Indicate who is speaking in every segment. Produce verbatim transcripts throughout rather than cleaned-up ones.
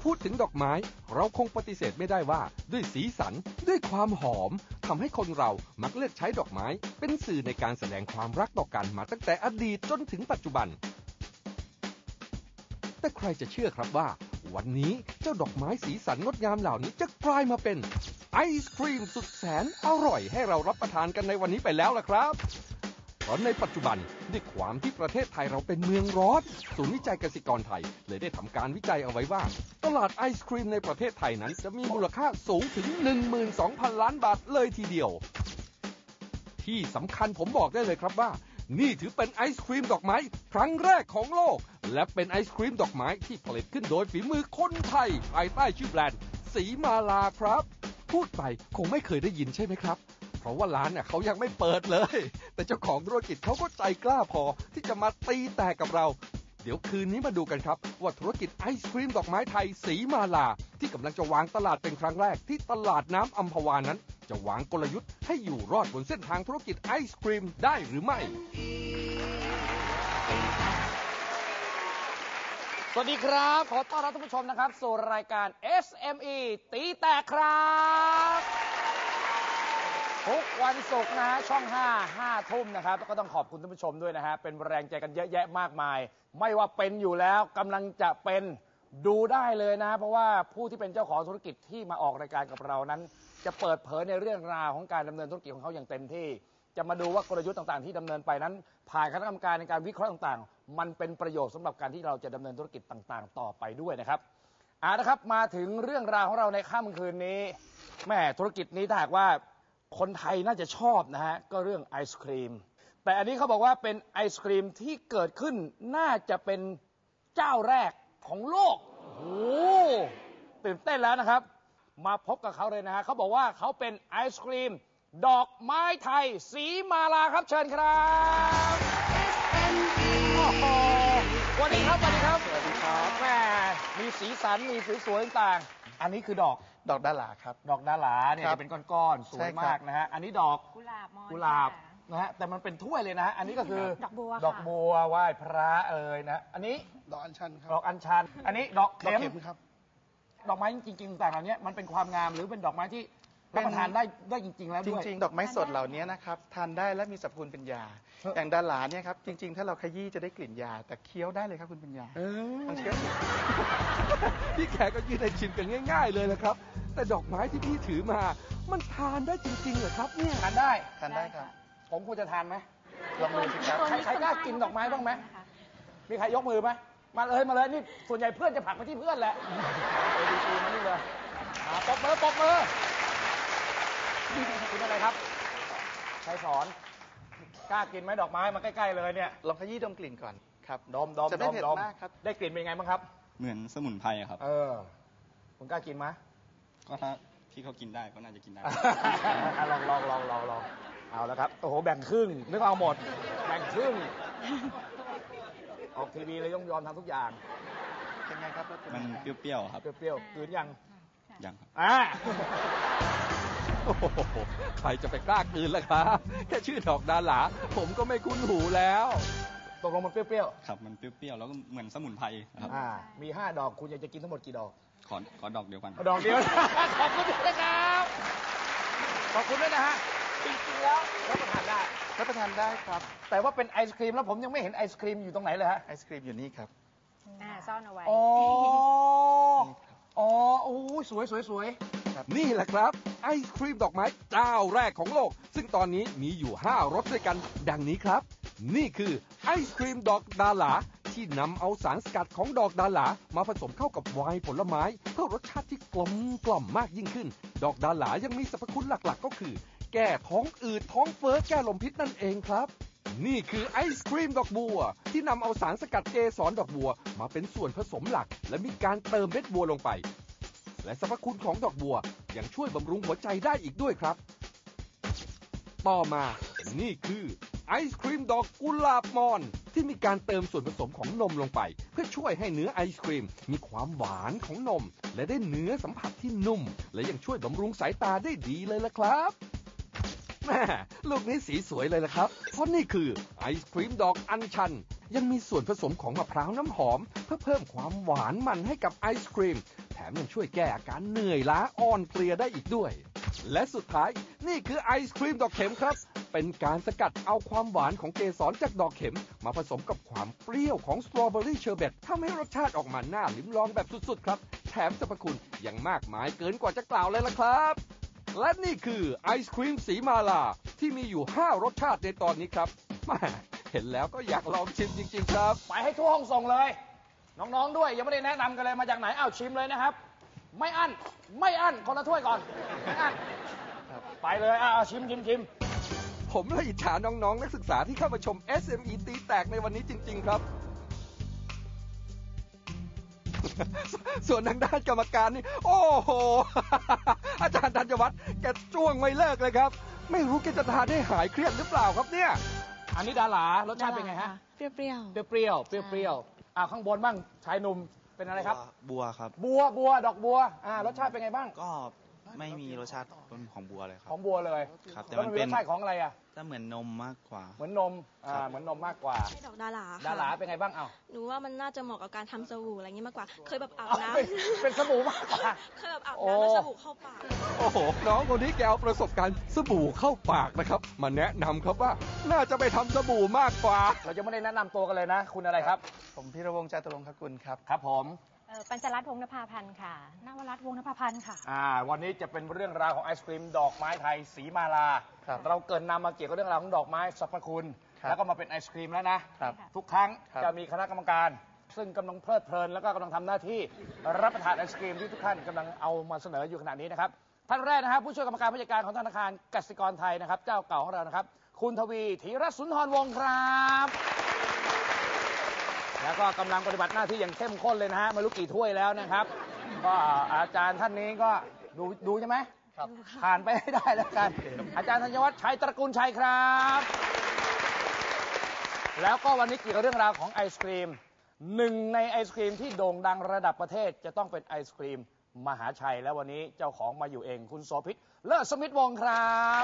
Speaker 1: พูดถึงดอกไม้เราคงปฏิเสธไม่ได้ว่าด้วยสีสันด้วยความหอมทำให้คนเรามักเลือกใช้ดอกไม้เป็นสื่อในการแสดงความรักต่อกันมาตั้งแต่อดีตจนถึงปัจจุบันแต่ใครจะเชื่อครับว่าวันนี้เจ้าดอกไม้สีสันงดงามเหล่านี้จะกลายมาเป็นไอศครีมสุดแสนอร่อยให้เรารับประทานกันในวันนี้ไปแล้วล่ะครับเพราะในปัจจุบันด้วยความที่ประเทศไทยเราเป็นเมืองร้อนศูนย์วิจัยเกษตรกรไทยเลยได้ทำการวิจัยเอาไว้ว่าตลาดไอศครีมในประเทศไทยนั้นจะมีมูลค่าสูงถึง หนึ่งหมื่นสองพัน ล้านบาทเลยทีเดียวที่สำคัญผมบอกได้เลยครับว่านี่ถือเป็นไอศครีมดอกไม้ครั้งแรกของโลกและเป็นไอศครีมดอกไม้ที่ผลิตขึ้นโดยฝีมือคนไทยภายใต้ชื่อแบรนด์สีมาลาครับพูดไปคงไม่เคยได้ยินใช่ไหมครับเพราะว่าร้านเนี่ยเขายังไม่เปิดเลยแต่เจ้าของธุรกิจเขาก็ใจกล้าพอที่จะมาตีแตกกับเราเดี๋ยวคืนนี้มาดูกันครับว่าธุรกิจไอศครีมดอกไม้ไทยสีมาลาที่กำลังจะวางตลาดเป็นครั้งแรกที่ตลาดน้ำอัมพวานั้นจะวางกลยุทธ์ให้อยู่รอดบนเส้นทางธุรกิจไอศครีมได้หรือไม่
Speaker 2: สวัสดีครับขอต้อนรับท่านผู้ชมนะครับสู่รายการ เอส เอ็ม อี ตีแตกครับทุกวันศุกร์นะฮะช่องห้า ห้าทุ่มนะครับแล้วก็ต้องขอบคุณท่านผู้ชมด้วยนะฮะเป็นแรงใจกันเยอะแยะมากมายไม่ว่าเป็นอยู่แล้วกำลังจะเป็นดูได้เลยนะเพราะว่าผู้ที่เป็นเจ้าของธุรกิจที่มาออกรายการกับเรานั้นจะเปิดเผยในเรื่องราวของการดำเนินธุรกิจของเขาอย่างเต็มที่จะมาดูว่ากลยุทธ์ต่างๆที่ดำเนินไปนั้นผ่านคณะกรรมการในการวิเคราะห์ต่างๆมันเป็นประโยชน์สำหรับการที่เราจะดำเนินธุรกิจต่างๆต่อไปด้วยนะครับอ่านะครับมาถึงเรื่องราวของเราในค่ำคืนนี้แม่ธุรกิจนี้ถ้าหากว่าคนไทยน่าจะชอบนะฮะก็เรื่องไอศครีมแต่อันนี้เขาบอกว่าเป็นไอศครีมที่เกิดขึ้นน่าจะเป็นเจ้าแรกของโลกโอ้ตื่นเต้นแล้วนะครับมาพบกับเขาเลยนะฮะเขาบอกว่าเขาเป็นไอศครีมดอกไม้ไทยสีมาลาครับเชิญครับสวัสดีครับสวัสดีครับสวัสดีครับแม่มีสีสันมีสวยๆต่างๆอันนี้คือดอก
Speaker 3: ดอกดาหลาครับ
Speaker 2: ดอกดาหลาเนี่ยจะเป็นก้อนๆสวยมากนะฮะอันนี้ดอก
Speaker 4: กุหลาบมอน
Speaker 2: กุหลาบนะฮะแต่มันเป็นถ้วยเลยนะฮะอันนี้ก็คือ
Speaker 4: ดอกบัว
Speaker 2: ดอกบัวไหว้พระเอ่ยนะอันนี้
Speaker 3: ดอกอัญชันครับ
Speaker 2: ดอกอัญชันอันนี้ดอกเข็ม
Speaker 3: ครับ
Speaker 2: ดอกไม้จริงๆต่างๆเหล่านี้มันเป็นความงามหรือเป็นดอกไม้ที่รับประทานได้ได้จริงๆแล้วด้วย
Speaker 3: จริงๆดอกไม้สดเหล่านี้นะครับทานได้และมีสรรพคุณเป็นยาอย่างดาหลาเนี่ยครับจริงๆถ้าเราขยี้จะได้กลิ่นยาแต่เคี้ยวได้เลยครับคุณเป็นยาลองเคี้ยว
Speaker 1: พี่แขกก็ยืนให้ชิมกันง่ายๆเลยนะครับแต่ดอกไม้ที่พี่ถือมามันทานได้จริงๆเหรอครับเนี่ย
Speaker 2: ทานได้
Speaker 3: ทานได้ครับ
Speaker 2: ผมควรจะทานไหม
Speaker 3: ลองดูสิครับ
Speaker 2: ใครใครกล้ากินดอกไม้บ้างไหมมีใครยกมือไหมมาเลยมาเลยนี่ส่วนใหญ่เพื่อนจะผลักไปที่เพื่อนแหละไปดีๆมานี่เลยปบมือปบมือกินอะไรครับใครสอนกล้ากินไหมดอกไม้มาใกล้ๆเลยเนี่ย
Speaker 3: ลองขยี้ดมกลิ่นก่อนครับ
Speaker 2: ดมดม
Speaker 3: จะไม่เผ็ดมากครับ
Speaker 2: ได้กลิ่นเป็นไงบ้างครับ
Speaker 5: เหมือนสมุนไพรครับ
Speaker 2: เออคุณกล้ากินไหม
Speaker 5: ก็ถ้าพี่เขากินได้ก็น่าจะกินได้
Speaker 2: ลองลองลองลองลองเอาแล้วครับโอ้โหแบ่งครึ่งนึกเอาหมดแบ่งครึ่งออกทีวีเลยต้องยอมทำทุกอย่าง
Speaker 3: เป็นไงครับ
Speaker 5: มันเปรี้ยวๆครับ
Speaker 2: เปรี้ยวๆกลืนยัง
Speaker 5: ยังครับ
Speaker 2: อ่า
Speaker 1: โอ้โหใครจะไปกล้ากลืนล่ะครับแค่ชื่อดอกดาหลาผมก็ไม่คุ้นหูแล้ว
Speaker 2: ตกลงมันเปรี้ยว
Speaker 5: ๆครับมันเปรี้ยวๆแล้วก็เหมือนสมุนไพรครับ
Speaker 2: อ่ามีห้าดอกคุณอยากจะกินทั้งหมดกี่ดอก
Speaker 5: ขอขอดอกเดียวกัน
Speaker 2: ดอกเดียวขอบคุณด้วยนะครับขอบคุณด้วยนะฮะจริงๆแล้วรับประทานได้
Speaker 3: รับประทานได้ครับ
Speaker 2: แต่ว่าเป็นไอศครีมแล้วผมยังไม่เห็นไอศครีมอยู่ตรงไหนเลยฮะ
Speaker 3: ไอศครีมอยู่นี่ครับ
Speaker 4: อ่าซ่อนเอาไว้
Speaker 2: อ๋ออ๋อโอ้สวยสวยสวย
Speaker 1: นี่แหละครับไอศครีมดอกไม้เจ้าแรกของโลกซึ่งตอนนี้มีอยู่ห้ารสด้วยกันดังนี้ครับนี่คือไอศครีมดอกดาหลาที่นำเอาสารสกัดของดอกดาหลามาผสมเข้ากับไวน์ผลไม้เพื่อรสชาติที่กลมกล่อมมากยิ่งขึ้นดอกดาหลายังมีสรรพคุณหลักๆก็คือแก้ท้องอืดท้องเฟ้อแก้ลมพิษนั่นเองครับนี่คือไอศครีมดอกบัวที่นำเอาสารสกัดเกสรดอกบัวมาเป็นส่วนผสมหลักและมีการเติมเม็ดบัวลงไปและสรรพคุณของดอกบัวยังช่วยบำรุงหัวใจได้อีกด้วยครับต่อมานี่คือไอศครีมดอกกุหลาบมอนที่มีการเติมส่วนผสมของนมลงไปเพื่อช่วยให้เนื้อไอศครีมมีความหวานของนมและได้เนื้อสัมผัสที่นุ่มและยังช่วยบำรุงสายตาได้ดีเลยล่ะครับแม่ลูกนี้สีสวยเลยล่ะครับเพราะนี่คือไอศครีมดอกอัญชันยังมีส่วนผสมของมะพร้าวน้ำหอมเพื่อเพิ่มความหวานมันให้กับไอศครีมแถมยังช่วยแก้อาการเหนื่อยล้าอ่อนเพลียได้อีกด้วย และสุดท้ายนี่คือไอศครีมดอกเข็มครับ เป็นการสกัดเอาความหวานของเกสรจากดอกเข็มมาผสมกับความเปรี้ยวของสตรอเบอรี่เชอร์เบตทำให้รสชาติออกมาน่าลิ้มลองแบบสุดๆครับแถมสรรพคุณยังมากมายเกินกว่าจะกล่าวเลยล่ะครับและนี่คือไอศครีมสีมาลาที่มีอยู่ห้ารสชาติในตอนนี้ครับแหม่เห็นแล้วก็อยากลองชิมจริงๆครับ
Speaker 2: ไปให้ทั่วห้องส่งเลย น้องๆด้วยยังไม่ได้แนะนำกันเลยมาจากไหนอ้าวชิมเลยนะครับ ไม่อั้นไม่อั้นคนละถ้วยก่อนไม่อั้นไปเลยอ้าวชิมชิมชิม
Speaker 1: ผมละอิจฉาน้องๆนักศึกษาที่เข้ามาชม เอส เอ็ม อี ตีแตกในวันนี้จริงๆครับ ส่วนทางด้านกรรมการนี่โอ้โห อาจารย์ธัญวัฒน์แกจ้วงไม่เลิกเลยครับ ไม่รู้แกจะทานให้หายเครียดหรือเปล่าครับเนี่ย
Speaker 2: อันนี้ดาหลารสชาติเป็นไงฮะ
Speaker 4: เปรี้ยว
Speaker 2: เปรี้ยวเปรี้ยวเปรี้ยวเปรี้ยวอ่าข้างบนบ้างชายหนุ่มเป็นอะไรครับ
Speaker 6: บัวครับ
Speaker 2: บัวบัวดอกบัวอ่ารสชาติเป็นไงบ้าง
Speaker 6: ก็ไม่มีรสชาติของบัวเลยครั
Speaker 2: ข
Speaker 6: บ
Speaker 2: องบัวเลย
Speaker 6: ครับแต่
Speaker 2: แล้ว
Speaker 6: มั
Speaker 2: มัน
Speaker 6: น
Speaker 2: มี
Speaker 6: เป็
Speaker 2: ร
Speaker 6: น
Speaker 2: สชาติของอะไรอ่ะ
Speaker 6: จะเหมือนนมมากกว่า
Speaker 2: เหมือนนมอ่า
Speaker 6: ครับ
Speaker 2: เหมือนนมมากกว่า
Speaker 4: ๆให้ดอกดาราค่ะ
Speaker 2: ดาหลาเป็นไงบ้างเอ้า
Speaker 4: หนูว่ามันน่าจะเหมาะกับการทำสบู่อะไรอย่างนี้มากกว่า เคยแบบอาบน้
Speaker 2: เป็นเป็นสบู่มากกว่า
Speaker 4: ำ เคยแบบอาบ
Speaker 2: โอ้
Speaker 4: น้ำแล้วสบู่เข้าปาก
Speaker 1: โอ้โห น้องคนนี้แกเอาประสบการณ์สบู่เข้าปากนะครับ มาแนะนำครับว่าน่าจะไปทำสบู่มากกว่า
Speaker 2: เราจะไม่ได้แนะนำตัวกันเลยนะ คุณอะไรครับ
Speaker 3: ผมพีรวงศ์จาตุรงคกุลครับ
Speaker 2: ครับผม
Speaker 7: เอ่อปัญจรัตน์วงศ์นภาพันธ์ค่ะนวรัตน์วงศ์นภาพันธ์ค่ะ
Speaker 2: อ่าวันนี้จะเป็นเรื่องราวของไอศครีมดอกไม้ไทยสีมาลา
Speaker 3: ครับ
Speaker 2: เราเกรินนำมาเกี่ยวกับเรื่องราวของดอกไม้สรรพคุณ
Speaker 3: ครับ
Speaker 2: แล้วก็มาเป็นไอศครีมแล้วนะ
Speaker 3: ครับ
Speaker 2: ทุกครั้ง
Speaker 3: ครับ
Speaker 2: จะมีคณะกรรมการ ซึ่งกำลังเพลิดเพลินแล้วก็กำลังทำหน้าที่รับประทานไอศครีมที่ทุกท่านกำลังเอามาเสนออยู่ขณะนี้นะครับท่านแรกนะครับผู้ช่วยกรรมการผู้จัดการของธนาคารกสิกรไทยนะครับเจ้าเก่าของเรานะครับคุณทวีธีรสุนทรวงศ์ครับแล้วก็กำลังปฏิบัติหน้าที่อย่างเข้มข้นเลยนะฮะไม่รู้กี่ถ้วยแล้วนะครับ ก็อาจารย์ท่านนี้ก็ดูดูใช่ไหมครับผ่านไปให้ได้แล้วกัน อาจารย์ธัญวัฒน์ชัยตระกูลชัยครับ แล้วก็วันนี้เกี่ยวกับเรื่องราวของไอศครีมหนึ่งในไอศครีมที่โด่งดังระดับประเทศจะต้องเป็นไอศครีมมหาชัย แล้ววันนี้เจ้าของมาอยู่เองคุณโสภิตเลิศสมิทธิ์วงศ์ครับ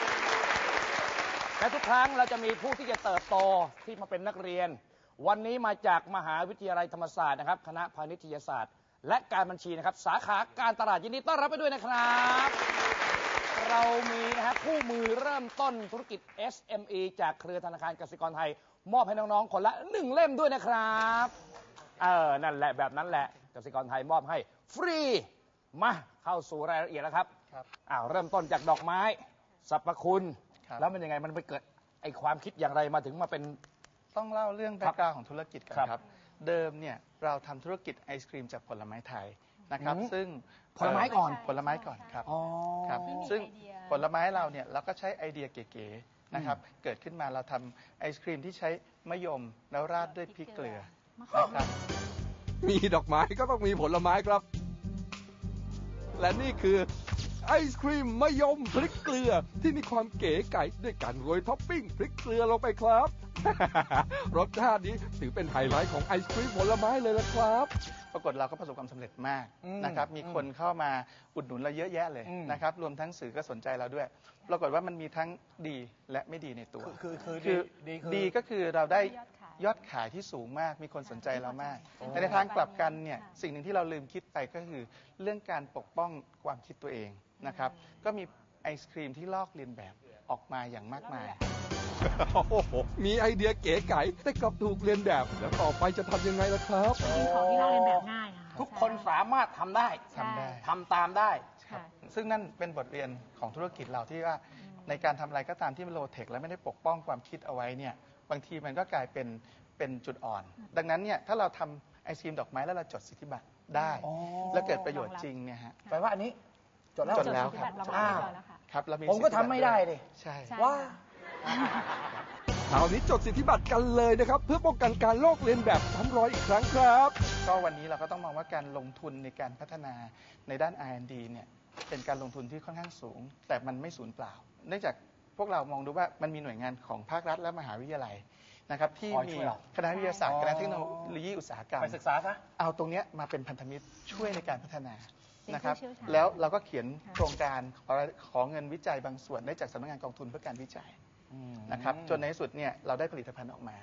Speaker 2: และทุกครั้งเราจะมีผู้ที่จะเติบโตที่มาเป็นนักเรียน วันนี้มาจากมหาวิทยาลัยธรรมศาสตร์นะครับคณะพาณิชยศาสตร์ และการบัญชีนะครับสาขาการตลาดยินดีต้อนรับไปด้วยนะครับ เรามีนะฮะคู่มือเริ่มต้นธุรกิจ เอส เอ็ม อี จากเครือธนาคารกสิกรไทย มอบให้น้องๆคนละหนึ่งเล่มด้วยนะครับเออนั่นแหละแบบนั้นแหละกสิกรไทยมอบให้ฟรีมาเข้าสู่รายละเอียดแล้วครับ
Speaker 3: ครับ
Speaker 2: อ้าวเริ่มต้นจากดอกไม้สรรพคุณ
Speaker 3: ครับ
Speaker 2: แล้วมันยังไงมันไปเกิดไอความคิดอย่างไรมาถึงมาเป็น
Speaker 3: ต้องเล่าเรื่องแบ็กกราวด์ของธุรกิจก่อน
Speaker 2: ครับ
Speaker 3: ครับ เดิมเนี่ยเราทำธุรกิจไอศครีมจากผลไม้ไทยนะครับ
Speaker 2: อืม
Speaker 3: ซึ่ง
Speaker 2: ผลไม้ก่อน
Speaker 3: ผลไม้ก่อนครับ
Speaker 2: อ๋อ
Speaker 3: ครับ
Speaker 7: ที่มี
Speaker 3: ซึ่ง
Speaker 7: ไอเดีย
Speaker 3: ผลไม้เราเนี่ยเราก็ใช้ไอเดียเก๋ๆนะครับ เกิดขึ้นมาเราทำไอศครีมที่ใช้มะยมแล้วราดด้วยพริกเกลือนะครับ
Speaker 1: มีดอกไม้ก็ต้องมีผลไม้ครับ และนี่คือไอศครีมมะยมพริกเกลือที่มีความเก๋ไก๋ด้วยการโรยท็อปปิ้งพริกเกลือลงไปครับ รสชาตินี้ถือเป็นไฮไลท์ของไอศครีมผลไม้เลยละครับ
Speaker 3: ปรากฏเราก็ประสบความสำเร็จมาก
Speaker 2: อืม
Speaker 3: นะครับ มี
Speaker 2: อืม
Speaker 3: คนเข้ามาอุดหนุนเราเยอะแยะเลย
Speaker 2: อืม
Speaker 3: นะครับ รวมทั้งสื่อก็สนใจเราด้วย ปรากฏว่ามันมีทั้งดีและไม่ดีในตัว
Speaker 2: คือคือ
Speaker 3: คือ
Speaker 2: ดีคือ
Speaker 3: ดีก็คือเราได้
Speaker 7: ยอดขาย
Speaker 3: ยอดขายที่สูงมาก มีคนสนใจเรามาก
Speaker 7: โอ้
Speaker 3: แต่ในทางกลับกันเนี่ย
Speaker 7: ค่ะ
Speaker 3: สิ่งหนึ่งที่เราลืมคิดไปก็คือเรื่องการปกป้องความคิดตัวเองนะครับ ก็มีไอศครีมที่ลอกเลียนแบบออกมาอย่างมากมาย
Speaker 1: โอ้โหมีไอเดียเก๋ไก๋แต่กลับถูกเรียนแบบ แล้วต่อไปจะทำยังไงล่ะครับ
Speaker 7: จริงๆของที่เราเรียนแบบง่ายค่ะ
Speaker 2: ทุกคนสามารถทำได้
Speaker 3: ทำได้
Speaker 2: ทำตามได้
Speaker 7: ค่ะ
Speaker 3: ซึ่งนั่นเป็นบทเรียนของธุรกิจเราที่ว่าในการทำอะไรก็ตามที่มันโลเทคและไม่ได้ปกป้องความคิดเอาไว้เนี่ยบางทีมันก็กลายเป็นเป็นจุดอ่อน ดังนั้นเนี่ยถ้าเราทำไอศครีมดอกไม้แล้วเราจดสิทธิบัตรได้
Speaker 2: อ๋อ
Speaker 3: แล้วเกิดประโยชน์จริงเนี่ยฮะ
Speaker 2: แปลว่าอันนี้จดแล้ว
Speaker 3: จดแล้ว
Speaker 7: จดสิทธิบัตร
Speaker 3: ครับ
Speaker 7: รองรับเรียบร้อยแล้วค่ะ
Speaker 3: ครับเรามี
Speaker 2: ผมก็
Speaker 3: สิทธิบัตร
Speaker 2: ทำไม่ได้ดิ
Speaker 3: ใช่
Speaker 7: ใช่
Speaker 2: ว่า
Speaker 1: คราวนี้จดสิทธิบัตรกันเลยนะครับ เพื่อป้องกันการลอกเลียนแบบซ้ำรอยอีกครั้งครับ
Speaker 3: ก็วันนี้เราก็ต้องมองว่าการลงทุนในการพัฒนาในด้าน อาร์ แอนด์ ดี เนี่ยเป็นการลงทุนที่ค่อนข้างสูง แต่มันไม่สูญเปล่า เนื่องจากพวกเรามองดูว่ามันมีหน่วยงานของภาครัฐและมหาวิทยาลัยนะครับที่
Speaker 2: คอย
Speaker 3: มี
Speaker 2: ช่วยเรา
Speaker 3: คณะวิทยาศาสต
Speaker 2: อ๋
Speaker 3: ร์
Speaker 2: อ
Speaker 3: คณะเทคโนโลยีอุตสาหกรรม
Speaker 2: ไปศึกษาซะ
Speaker 3: เอาตรงเนี้ยมาเป็นพันธมิตรช่วยในการพัฒนา
Speaker 7: เป็น
Speaker 3: นะครับ
Speaker 7: ผู้เชี่ยวชาญ
Speaker 3: แล้วเราก็เขียน
Speaker 7: ค่ะ
Speaker 3: โครงการขอขอเงินวิจัยบางส่วนได้จากสำนักงานกองทุนเพื่อการวิจัยนะครับจนในที่สุดเนี่ยเราได้ผลิตภัณฑ์ออกมา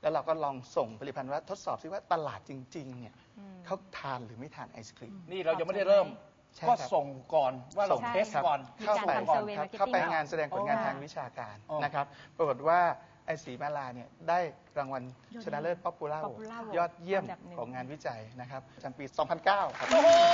Speaker 3: แล้วเราก็ลองส่งผลิตภัณฑ์ว่าทดสอบซิว่าตลาดจริงๆเนี่ย
Speaker 7: อืม
Speaker 3: เขาทานหรือไม่ทานไอศครีม
Speaker 2: นี่เรายังไม่ได้เริ่ม
Speaker 3: ใช่
Speaker 2: ก็
Speaker 3: ครับ
Speaker 2: ส่งก่อนว่าเรา
Speaker 3: ส่ง
Speaker 2: เทส
Speaker 3: ครับ
Speaker 2: ก่อน
Speaker 7: มี
Speaker 3: เข้า
Speaker 7: การ
Speaker 3: ไป
Speaker 7: ทำ
Speaker 3: ก่อน
Speaker 7: survey
Speaker 3: ครับ
Speaker 7: marketing
Speaker 3: เข้าไป
Speaker 7: ก่อน
Speaker 3: งานแสดงผลงาน
Speaker 7: อ๋อ
Speaker 3: ทางวิชาการ
Speaker 2: อ๋อ
Speaker 3: นะครับปรากฏว่าไอสีมาลาเนี่ยได้รางวัล
Speaker 7: ยอด
Speaker 3: ชนะเลิศป๊อปปูล่า
Speaker 7: Popular Award
Speaker 3: ยอดเยี่ยม
Speaker 7: อันดับหนึ่ง
Speaker 3: ของงานวิจัยนะครับประจำปี สองพันเก้า ครับ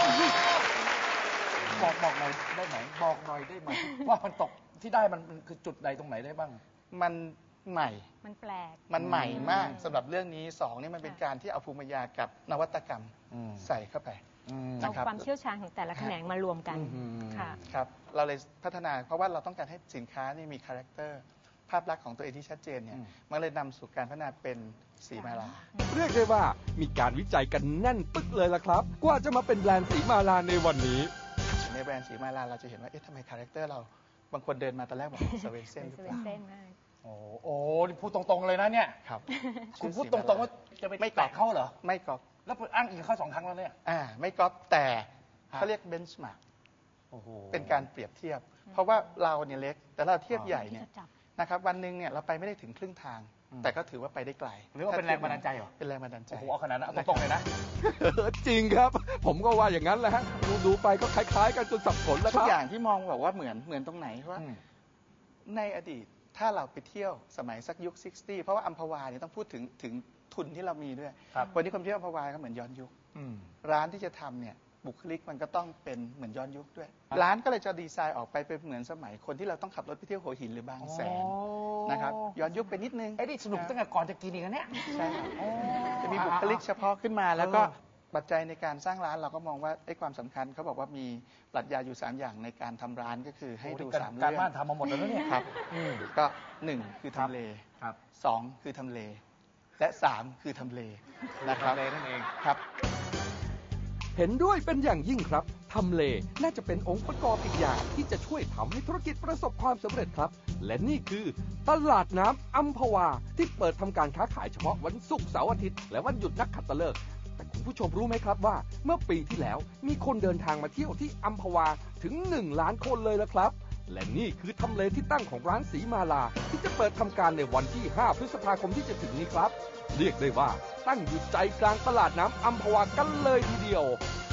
Speaker 2: บอกบอกหน่อยได้ไหมบอกหน่อยได้ไหมว่ามันตกที่ได้มันมันคือจุดใดตรงไหนได้บ้าง
Speaker 3: มันใหม่
Speaker 7: มันแปลก
Speaker 3: มันใหม่มาก
Speaker 7: อืม
Speaker 3: สำหรับเรื่องนี้สองนี่มันเป็น
Speaker 7: ค่ะ
Speaker 3: การที่เอาภูมิปัญญากับนวัตกรรม
Speaker 2: อืม
Speaker 3: ใส่เข้าไป
Speaker 2: อืม
Speaker 3: นะ
Speaker 7: เอา
Speaker 3: ครับ
Speaker 7: ความเชี่ยวชาญของแต่ละแขนงมารวมกัน
Speaker 2: อืม
Speaker 7: ค่ะ
Speaker 3: ครับเราเลยพัฒนาเพราะว่าเราต้องการให้สินค้านี่มีคาแรคเตอร์ภาพลักษณ์ของตัวเองที่ชัดเจนเนี่ย
Speaker 2: อืม
Speaker 3: มันเลยนำสู่การพัฒนาเป็นสีมาลา
Speaker 1: เรียกได้ว่ามีการวิจัยกันแน่นปึ๊กเลยล่ะครับ กว่าจะมาเป็นแบรนด์สีมาลาในวันนี้
Speaker 3: ในแบรนด์สีมาลาเราจะเห็นว่าเอ๊ะทำไมคาแรคเตอร์เราบางคนเดินมาตอนแรกบอกสเวนเซนหรือเปล่า
Speaker 7: เส้นมาก
Speaker 2: โอ้โหนี่พูดตรงๆเลยนะเนี่ย
Speaker 3: ครับ
Speaker 2: คุณพูดตรงๆว่าจะไป
Speaker 3: ไม่
Speaker 2: แตะเขาเหรอ
Speaker 3: ไม่ก๊อป
Speaker 2: แล้วอ้างอิงเขาสองครั้งแล้วเนี่ย
Speaker 3: อ่าไม่ก๊อปแต่
Speaker 2: ครับ
Speaker 3: เขาเรียกเบนช์มาร์ก
Speaker 2: โอ้โห
Speaker 3: เป็นการเปรียบเทียบ เพราะว่าเราเนี่ยเล็ก แต่เราเทียบใหญ่เนี่ย
Speaker 7: ที่จะจับ
Speaker 3: นะครับวันหนึ่งเนี่ยเราไปไม่ได้ถึงครึ่งทาง
Speaker 2: อืม
Speaker 3: แต่ก็ถือว่าไปได้ไกล
Speaker 2: หรือว่าเป็นแรงบันดาลใจเหรอ
Speaker 3: เป็นแรงบันดาลใจ
Speaker 2: โอ้โหเอาขนาดนั้นเอาตรงๆเลยนะ
Speaker 1: จริงครับ ผมก็ว่าอย่างนั้นแหละฮะดูดูๆไปก็คล้ายๆกันจนสับสนแล้วค
Speaker 3: ทุก
Speaker 1: รับ
Speaker 3: อย่างที่มองบอกว่าเหมือนเหมือนตรงไหนเพราะว่า
Speaker 2: อืม
Speaker 3: ในอดีตถ้าเราไปเที่ยวสมัยสักยุค ซิกสตี้ เพราะว่าอัมพวาเนี่ยต้องพูดถึงถึงทุนที่เรามีด้วย
Speaker 2: ครับ
Speaker 3: วันนี้คนเที่ยวอัมพวาก็เหมือนย้อนยุค
Speaker 2: อืม
Speaker 3: ร้านที่จะทำเนี่ยบุคลิกมันก็ต้องเป็นเหมือนย้อนยุคด้วย
Speaker 2: ครับ
Speaker 3: ร้านก็เลยจะดีไซน์ออกไปเป็นเหมือนสมัยคนที่เราต้องขับรถไปเที่ยวหัวหินหรือบางแสนนะครับย้อนยุคไปนิดนึง
Speaker 2: ไอ้นี่สนุกตั้งแต่ก่อนจะกินอีกนะเนี่ย
Speaker 3: ใช่ครับ
Speaker 2: โอ้
Speaker 3: จะมีบุคลิกเฉพาะขึ้นมา แล้วก็
Speaker 2: เออ
Speaker 3: ปัจจัยในการสร้างร้านเราก็มองว่าไอ้ความสำคัญเขาบอกว่ามีปรัชญาอยู่สามอย่างในการทำร้านก็คือให้ดู
Speaker 2: โอ้นี่
Speaker 3: สาม
Speaker 2: การ
Speaker 3: เรื่อง
Speaker 2: บ้านทำมาหมดแล้วนะเนี่ย
Speaker 3: ครับ
Speaker 2: อืม
Speaker 3: ก็หนึ่งคือทำเล
Speaker 2: ครับ
Speaker 3: สองคือทำเล และสามคือทำเลนะครับ
Speaker 2: ทำเลนั่นเอง
Speaker 3: ครับ
Speaker 1: เห็นด้วยเป็นอย่างยิ่งครับ ทำเลน่าจะเป็นองค์ประกอบอีกอย่างที่จะช่วยทำให้ธุรกิจประสบความสำเร็จครับ และนี่คือตลาดน้ำอัมพวาที่เปิดทำการค้าขายเฉพาะวันศุกร์เสาร์อาทิตย์และวันหยุดนักขัตฤกษ์แต่คุณผู้ชมรู้ไหมครับว่า เมื่อปีที่แล้วมีคนเดินทางมาเที่ยวที่อัมพวาถึงหนึ่งล้านคนเลยละครับ และนี่คือทำเลที่ตั้งของร้านสีมาลาที่จะเปิดทำการในวันที่ห้าพฤษภาคมที่จะถึงนี้ครับ เรียกได้ว่าตั้งอยู่ใจกลางตลาดน้ำอัมพวากันเลยทีเดียว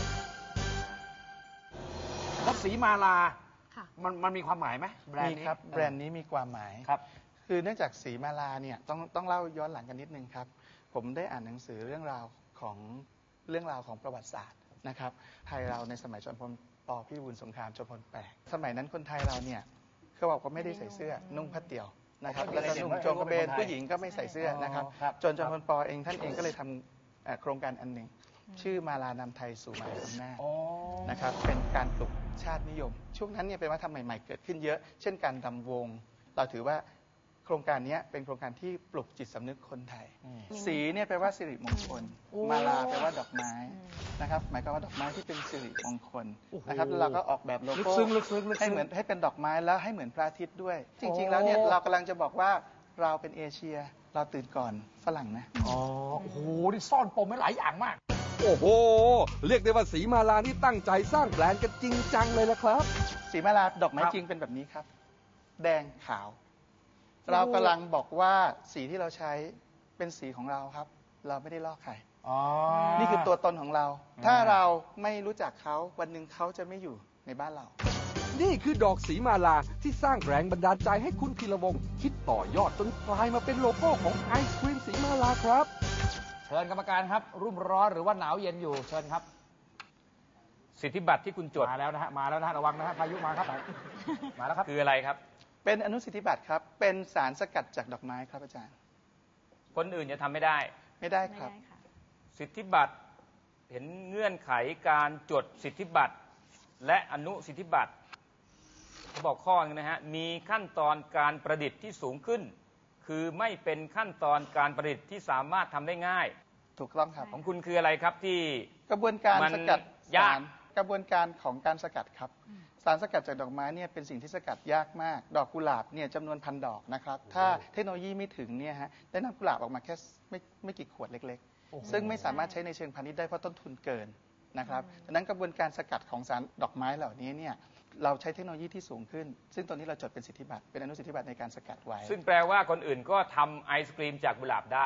Speaker 2: แล้วสีมาลา
Speaker 7: ค่ะ
Speaker 2: มันมันมีความหมายไหมแบรน
Speaker 3: มี
Speaker 2: ด์นี้
Speaker 3: ครับแบรนด์นี้มีความหมาย
Speaker 2: ครับ
Speaker 3: คือเนื่องจากสีมาลาเนี่ยต้องต้องเล่าย้อนหลังกันนิดนึงครับ ผมได้อ่านหนังสือเรื่องราวของเรื่องราวของประวัติศาสตร์นะครับไทยเราในสมัยจอมพลปพิบูลสงครามจอมพลแปดสมัยนั้นคนไทยเราเนี่ยเขาบอกว่าไม่ได้ใส่เสื้อนุ่งผ้าเตี่ยวนะครับ
Speaker 2: อ๋อ
Speaker 3: แล้วก็นุ่ง
Speaker 2: ไม่ได้
Speaker 3: โจงกระเบน
Speaker 2: ไม่ได้
Speaker 3: ผู้หญิงก็ไม่ใส่เสื้อนะครับ
Speaker 2: อ๋อครับ
Speaker 3: จนจอมพลปเองท่านเองก็เลยทำเอ่อโครงการอันหนึ่งชื่อมาลานำไทยสู่มหาอำนาจ
Speaker 2: อ๋อ
Speaker 3: นะครับเป็นการปลุกชาตินิยม ช่วงนั้นเนี่ยเป็นวัฒนธรรมใหม่ๆเกิดขึ้นเยอะ เช่นการรำวง เราถือว่าโครงการนี้เป็นโครงการที่ปลุกจิตสำนึกคนไทย
Speaker 2: อืม
Speaker 3: สีเนี่ยแปลว่าสิริมงคล
Speaker 2: โอ้
Speaker 3: มาลาแปลว่าดอกไม้
Speaker 7: อืม
Speaker 3: นะครับหมายความว่าดอกไม้ที่เป็นสิริมงคล
Speaker 2: โอ้โห
Speaker 3: นะครับแล้วเราก็ออกแบบโล
Speaker 2: ลึก
Speaker 3: โก้
Speaker 2: ซึ้งลึกซึ้งลึกซึ้ง
Speaker 3: ให้เหมือนให้เป็นดอกไม้แล้วให้เหมือนพระอาทิตย์ด้วย จริง
Speaker 2: โอ้
Speaker 3: ๆ แล้วเนี่ยเรากำลังจะบอกว่าเราเป็นเอเชีย เราตื่นก่อนฝรั่งนะ
Speaker 2: อ๋อโอ้โหนี่ซ่อนปมไว้หลายอย่างมาก
Speaker 1: โอ้โห เรียกได้ว่าสีมาลานี่ตั้งใจสร้างแบรนด์กันจริงจังเลยละครับ
Speaker 3: สีมาลาดอกไม้
Speaker 2: ครับ
Speaker 3: จริงเป็นแบบนี้ครับ แดงขาว เรากำลังบอกว่าสีที่เราใช้เป็นสีของเราครับ เราไม่ได้ลอกใคร
Speaker 2: อ๋อ
Speaker 3: นี่คือตัวตนของเรา
Speaker 2: อ่า
Speaker 3: ถ้าเราไม่รู้จักเขาวันหนึ่งเขาจะไม่อยู่ในบ้านเรา
Speaker 1: นี่คือดอกสีมาลาที่สร้างแรงบันดาลใจให้คุณพีระวงศ์คิดต่อยอดจนกลายมาเป็นโลโก้ของไอศครีมสีมาลาครับ
Speaker 2: เชิญกรรมการครับ รุ่มร้อนหรือว่าหนาวเย็นอยู่เชิญครับ สิทธิบัตรที่คุณจดมาแล้วนะฮะมาแล้วนะฮะระวังนะฮะพายุมาครับ มาแล้วครับคืออะไรครับ
Speaker 3: เป็นอนุสิทธิบัตรครับ เป็นสารสกัดจากดอกไม้ครับอาจารย์
Speaker 8: คนอื่นจะทำไม่ได้
Speaker 3: ไม่ได้
Speaker 7: ไม่
Speaker 3: ครับ
Speaker 7: ได้ค่ะ
Speaker 8: สิทธิบัตรเห็นเงื่อนไขการจดสิทธิบัตรและอนุสิทธิบัตรเขาบอกข้อนึงนะฮะมีขั้นตอนการประดิษฐ์ที่สูงขึ้น คือไม่เป็นขั้นตอนการประดิษฐ์ที่สามารถทำได้ง่าย
Speaker 3: ถูกต้องครับ
Speaker 8: ของคุณคืออะไรครับที่
Speaker 3: กระบวนการ
Speaker 8: มัน
Speaker 3: สกัด
Speaker 8: ยา
Speaker 3: สาก รกระบวนการของการสกัดครับ สารสกัดจากดอกไม้เนี่ยเป็นสิ่งที่สกัดยากมาก ดอกกุหลาบเนี่ยจำนวนพันดอกนะครับ ถ้าเทคโนโลยีไม่ถึงเนี่ยฮะได้นำกุหลาบออกมาแค่ไม่ไม่กี่ขวดเล็กๆ ซึ่งไม่สามารถใช้ในเชิงพาณิชย์ได้เพราะต้นทุนเกินนะครับดังนั้นกระบวนการสกัดของสารดอกไม้เหล่านี้เนี่ยเราใช้เทคโนโลยีที่สูงขึ้น ซึ่งตอนนี้เราจดเป็นสิทธิบัตรเป็นอนุสิทธิบัตรในการสกัดไว้
Speaker 8: ซึ่งแปลว่าคนอื่นก็ทำไอศกรีมจากกุหลาบได้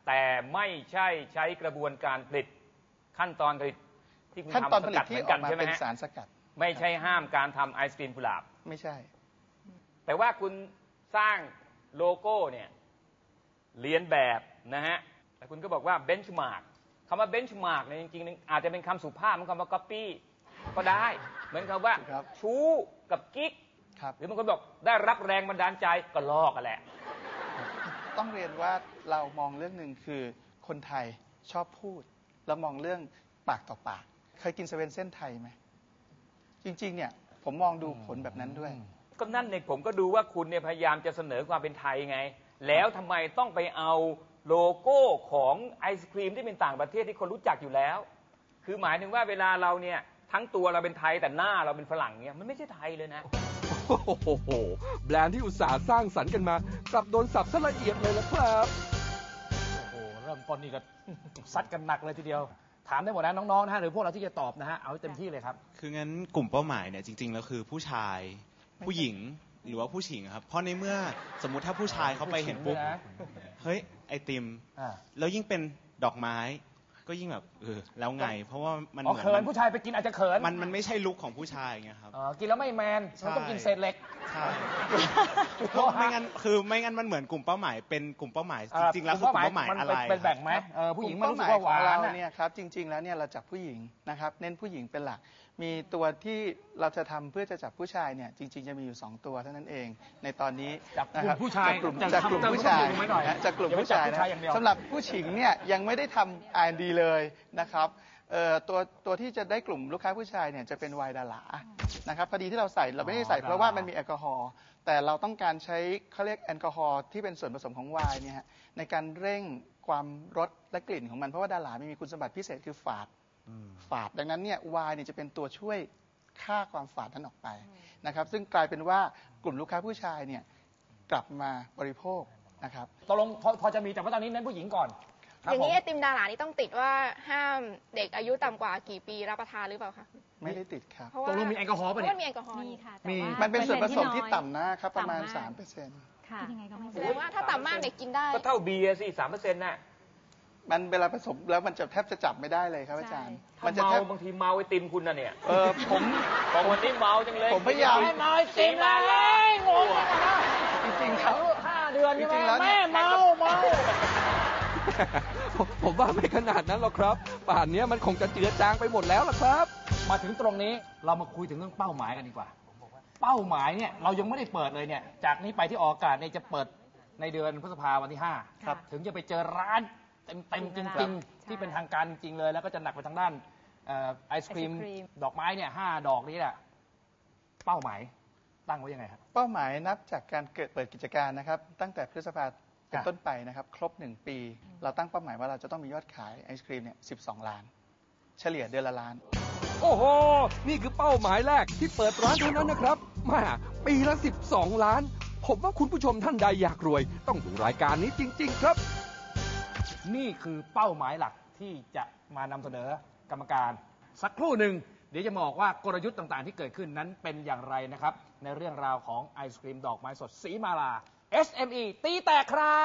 Speaker 8: แต่ไม่ใช่ใช้กระบวนการผลิตขั้นตอนผลิตที่คุณ
Speaker 3: ขั้นตอน
Speaker 8: ทำ
Speaker 3: ผ
Speaker 8: ส
Speaker 3: ลิต
Speaker 8: กัดเห
Speaker 3: ที่
Speaker 8: มือน
Speaker 3: อ
Speaker 8: กั
Speaker 3: อก
Speaker 8: น
Speaker 3: มา
Speaker 8: ใช่ไหม
Speaker 3: เป็น
Speaker 8: ฮะ
Speaker 3: สารสกัด
Speaker 8: ไม่ใช่ห้ามการทำไอศกรีมกุหลาบ
Speaker 3: ไม่ใช่
Speaker 8: แต่ว่าคุณสร้างโลโก้เนี่ยเรียนแบบนะฮะแต่คุณก็บอกว่าเบนช์มาร์กคำว่าเบนช์มาร์กเนี่ยจริงๆอาจจะเป็นคำสุภาพเหมือนคำว่าก๊อปปี้ก็ได้ เหมือนคำว่า
Speaker 3: ครับ
Speaker 8: ชู้กับกิ๊ก
Speaker 3: ครับ
Speaker 8: หรือบางคนบอกได้รับแรงบันดาลใจก็ลอกกันแหละ
Speaker 3: ต้องเรียนว่าเรามองเรื่องหนึ่งคือคนไทยชอบพูด แล้วมองเรื่องปากต่อปาก เคยกินเซเว่นเส้นไทยไหมจริงๆเนี่ยผมมองดูผลแบบนั้นด้วย
Speaker 8: ก็นั่นเนี่ยผมก็ดูว่าคุณเนี่ยพยายามจะเสนอความเป็นไทยไง แล้วทำไมต้องไปเอาโลโก้ของไอศครีมที่เป็นต่างประเทศที่คนรู้จักอยู่แล้ว คือหมายถึงว่าเวลาเราเนี่ยทั้งตัวเราเป็นไทยแต่หน้าเราเป็นฝรั่งเนี่ยมันไม่ใช่ไทยเลยนะ
Speaker 1: โอ้โหแบรนด์ที่อุตสาห์สร้างสรรค์กันมา กลับโดนสับซะละเอียดเลยนะครับ
Speaker 2: โอ้โหเริ่มต้นนี่ก็ ซัดกันหนักเลยทีเดียว ถามได้หมดนะน้องๆนะฮะหรือพวกเราที่จะตอบนะฮะเอาให้เต็มที่เลยครับ
Speaker 6: คืองั้นกลุ่มเป้าหมายเนี่ยจริงๆแล้วคือผู้ชาย ผู้หญิงหรือว่าผู้หญิงครับ เพราะในเมื่อสมมุติถ้าผู้ชายเขาไปเห็นปุ๊บ
Speaker 2: ผู้หญิงด้วยนะ
Speaker 6: เฮ้ยไอติม
Speaker 2: อ่า
Speaker 6: แล้วยิ่งเป็นดอกไม้ก็ยิ่งแบบเออแล้วไง เพราะว่ามัน
Speaker 2: อ๋อ
Speaker 6: เหมือน
Speaker 2: เขิน
Speaker 6: มัน
Speaker 2: ผู้ชายไปกินอาจจะเขิน
Speaker 6: มันมันไม่ใช่ลุคของผู้ชายไงครับ
Speaker 2: อ๋อกินแล้วไม่แมนมันต้องกินเศษเหล็ก
Speaker 6: ใช่เพราะไม่งั้นคือไม่งั้นมันเหมือนกลุ่มเป้าหมายเป็นกลุ่มเป้าหมายจริงๆแล้วคือกลุ่มเป้าหมาย
Speaker 2: มัน
Speaker 6: อะไร
Speaker 2: เป็นแบ่งไหมเออผู้หญิงมันรู้สึกว่าหวาน
Speaker 3: กลุ่มเป้หมยของ
Speaker 2: อะ
Speaker 3: เราเนี่ยครับจริง ๆแล้วเนี่ยเราจับผู้หญิงนะครับเน้นผู้หญิงเป็นหลัก มีตัวที่เราจะทำเพื่อจะจับผู้ชายเนี่ยจริง ๆจะมีอยู่สองตัวเท่านั้นเอง ในตอนนี้
Speaker 2: จับกลุ่ม
Speaker 3: นะครับ
Speaker 2: ผู้ชาย
Speaker 3: จากกลุ่ม
Speaker 2: จับ
Speaker 3: จากกลุ่ม
Speaker 2: จับ
Speaker 3: ผู้ชาย
Speaker 2: จับกลุ่มไว้หน่อย
Speaker 3: นะจากกลุ่ม
Speaker 2: อย่าไป
Speaker 3: ผู้ชาย
Speaker 2: จับผู้
Speaker 3: นะ
Speaker 2: ชายอย่างเดียว
Speaker 3: สำหรับผู้หญิงเนี่ยยังไม่ได้ทำ อาร์ แอนด์ ดี เลยนะครับเอ่อตัวตัวที่จะได้กลุ่มลูกค้าผู้ชายเนี่ยจะเป็นไวน์ดารานะครับพอดีที่เราใส่เราไม่ได้ใส่เพราะว่ามันมีแอลกอฮอล์แต่เราต้องการใช้เขาเรียกแอลกอฮอล์ที่เป็นส่วนผสมของไวน์เนี่ยฮะในการเร่งความรสและกลิ่นของมันเพราะว่าดารามีคุณสมบัติพิเศษคือฝาดฝาดดังนั้นเนี่ยไวน์เนี่ยจะเป็นตัวช่วยฆ่าความฝาดนั้นออกไปนะครับซึ่งกลายเป็นว่ากลุ่มลูกค้าผู้ชายเนี่ยกลับมาบริโภคนะครับ
Speaker 2: ตกลงพอพอจะมีแต่ว่าตอนนี้เน้นผู้หญิงก่อนครับ
Speaker 9: อย่างนี้
Speaker 2: ผม
Speaker 9: ไอติมดารานี่ต้องติดว่าห้ามเด็กอายุต่ำกว่ากี่ปีรับประทานหรือเปล่าคะ
Speaker 3: ไม่ได้ติดครับ
Speaker 9: เพราะ
Speaker 2: ต
Speaker 9: ว่าก
Speaker 2: ลงมีแอลกอฮอล์
Speaker 9: เพ
Speaker 2: ป่ะ
Speaker 9: ราะ
Speaker 2: เนี่ย
Speaker 9: ว่ามีแอลกอฮอล์
Speaker 7: มี
Speaker 9: นี่
Speaker 7: ค่ะ
Speaker 2: มี
Speaker 7: แต่ว่า
Speaker 3: มันเป็นส่วนผสมที่
Speaker 7: เปอร์เซ็น
Speaker 3: ต่ำนะครับประมาณ
Speaker 7: ต่ำก
Speaker 3: สามเปอร์เซ็นต์
Speaker 7: ค่ะยังไงก็ไม่
Speaker 9: แสดงว่าถ้าต่ำมากเด็กกินได้
Speaker 8: ก็เท่าเบียร์สิสามเปอร์เซ็นต์น่ะ
Speaker 3: มันเวลาผสมแล้วมันจะแทบจะจับไม่ได้เลยครับอาจารย์ มันจะ
Speaker 8: เมา
Speaker 3: แทบ
Speaker 8: บางทีเมาไอติมคุณน่ะเนี่ย
Speaker 3: เออผม
Speaker 8: บอกวันนี้เมาจังเลย
Speaker 3: ผมพยายาม
Speaker 2: ไม่เมาไอติมเลยงงเลยนะ
Speaker 3: จริงๆครับ
Speaker 2: ห้าเดือนใช่ไหม
Speaker 3: จริงๆแล้วเนี่
Speaker 2: แม่
Speaker 3: ย
Speaker 2: เมาเมา
Speaker 1: ผมผมว่าไม่ขนาดนั้นหรอกครับ ป่านนี้มันคงจะเจือจางไปหมดแล้วล่ะครับ
Speaker 2: มาถึงตรงนี้เรามาคุยถึงเรื่องเป้าหมายกันดีกว่า เป้าหมายเนี่ยเรายังไม่ได้เปิดเลยเนี่ย จากนี้ไปที่ออกอากาศเนี่ยจะเปิดในเดือนพฤษภาวันที่ห้า
Speaker 7: ครับ
Speaker 2: ถึงจะไปเจอร้านเต็มๆจริงๆ ที่เป็นทางการจริงๆเลย แล้วก็จะหนักไปทางด้านเอ่อไอศครีม
Speaker 7: ไอศกรีม
Speaker 2: ดอกไม้เนี่ยห้าดอกนี้แหละเป้าหมายตั้งไว้ยังไงครับ
Speaker 3: เป้าหมายนับจากการเกิดเปิดกิจการนะครับ ตั้งแต่พฤษภาเป็น
Speaker 2: ครับ
Speaker 3: ต้นไปนะครับ ครบหนึ่งปี เราตั้งเป้าหมายว่าเราจะต้องมียอดขายไอศครีมเนี่ยสิบสองล้าน เฉลี่ยเดือนละล้าน
Speaker 1: โอ้โห นี่คือเป้าหมายแรกที่เปิดร้านเท่านั้นนะครับมาปีละสิบสองล้าน ผมว่าคุณผู้ชมท่านใดอยากรวย ต้องดูรายการนี้จริง ๆ ครับ
Speaker 2: นี่คือเป้าหมายหลักที่จะมานำเสนอกรรมการ สักครู่หนึ่งเดี๋ยวจะบอกว่ากลยุทธ์ต่างๆ ที่เกิดขึ้นนั้นเป็นอย่างไรนะครับ ในเรื่องราวของไอศครีมดอกไม้สดสีมาลา เอส เอ็ม อี ตีแตกครับ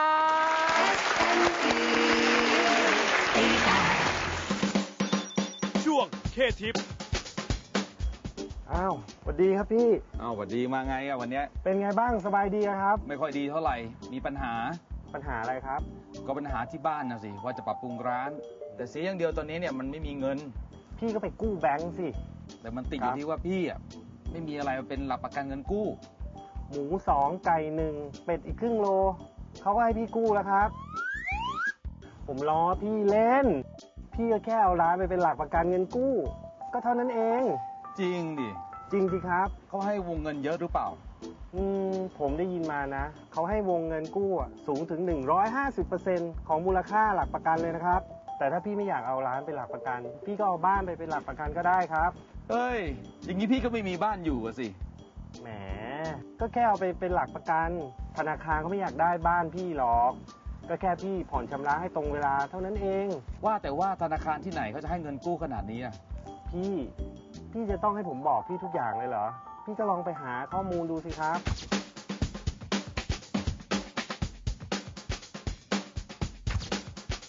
Speaker 10: ช่วงเคทิป
Speaker 11: อ้าวสวัสดีครับพี่
Speaker 12: อ้าวสวัสดีมาไงอะวันเนี้ย
Speaker 11: เป็นไงบ้างสบายดีอะครับ
Speaker 12: ไม่ค่อยดีเท่าไหร่ มีปัญหา
Speaker 11: ปัญหาอะไรครับ
Speaker 12: ก็ปัญหาที่บ้านนะสิ ว่าจะปรับปรุงร้าน แต่เสียอย่างเดียวตอนนี้เนี่ยมันไม่มีเงิน
Speaker 11: พี่ก็ไปกู้แบงก์สิ
Speaker 12: แต่มันติดอ
Speaker 11: ครั
Speaker 12: ยู่
Speaker 11: บ
Speaker 12: ที่ว่าพี่อะไม่มีอะไรมาเป็นหลักประกันเงินกู้
Speaker 11: หมูสองไก่หนึ่งเป็ดอีกครึ่งโล เขาก็ให้พี่กู้แล้วครับ ผมล้อพี่เล่น พี่ก็แค่เอาร้านไปเป็นหลักประกันเงินกู้ ก็เท่านั้นเอง
Speaker 12: จริงดิ
Speaker 11: จริงสิครับ
Speaker 12: เขาให้วงเงินเยอะหรือเปล่า
Speaker 11: อืมผมได้ยินมานะ เขาให้วงเงินกู้อะสูงถึง หนึ่งร้อยห้าสิบเปอร์เซ็นต์ ของมูลค่าหลักประกันเลยนะครับ แต่ถ้าพี่ไม่อยากเอาร้านเป็นหลักประกัน พี่ก็เอาบ้านไปเป็นหลักประกันก็ได้ครับ
Speaker 12: เอ้ย อย่างนี้พี่ก็ไม่มีบ้านอยู่อะสิ
Speaker 11: แหม ก็แค่เอาไปเป็นหลักประกัน ธนาคารเขาไม่อยากได้บ้านพี่หรอก ก็แค่พี่ผ่อนชำระให้ตรงเวลาเท่านั้นเอง
Speaker 12: ว่าแต่ว่าธนาคารที่ไหนเขาจะให้เงินกู้ขนาดนี้อะ
Speaker 11: พี่ พี่จะต้องให้ผมบอกพี่ทุกอย่างเลยเหรอ พี่ก็ลองไปหาข้อมูลดูสิครับ
Speaker 1: พ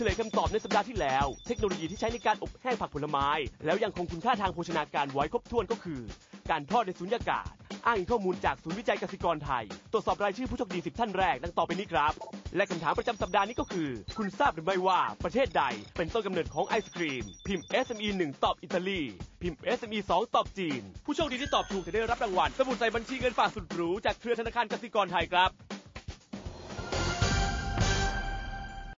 Speaker 10: ลยคำตอบในสัปดาห์ที่แล้วเทคโนโลยีที่ใช้ในการอบแห้งผักผลไม้แล้วยังคงคุณค่าทางโภชนาการไว้ครบถ้วนก็คือการทอดในสุญญากาศอ้างอิงข้อมูลจากศูนย์วิจัยเกษตรกรไทยตรวจสอบรายชื่อผู้โชคดีสิบท่านแรกดังต่อไปนี้ครับและคำถามประจำสัปดาห์นี้ก็คือคุณทราบหรือไม่ว่าประเทศใดเป็นต้นกำเนิดของไอศกรีมพิมพ์ เอส เอ็ม อี หนึ่งตอบอิตาลีพิมพ์ เอส เอ็ม อี สองตอบจีนผู้โชคดีที่ตอบถูกจะได้รับรางวัลสมุดใส่บัญชีเงินฝากสุดหรูจากเครือธนาคารกสิกรไทยครับ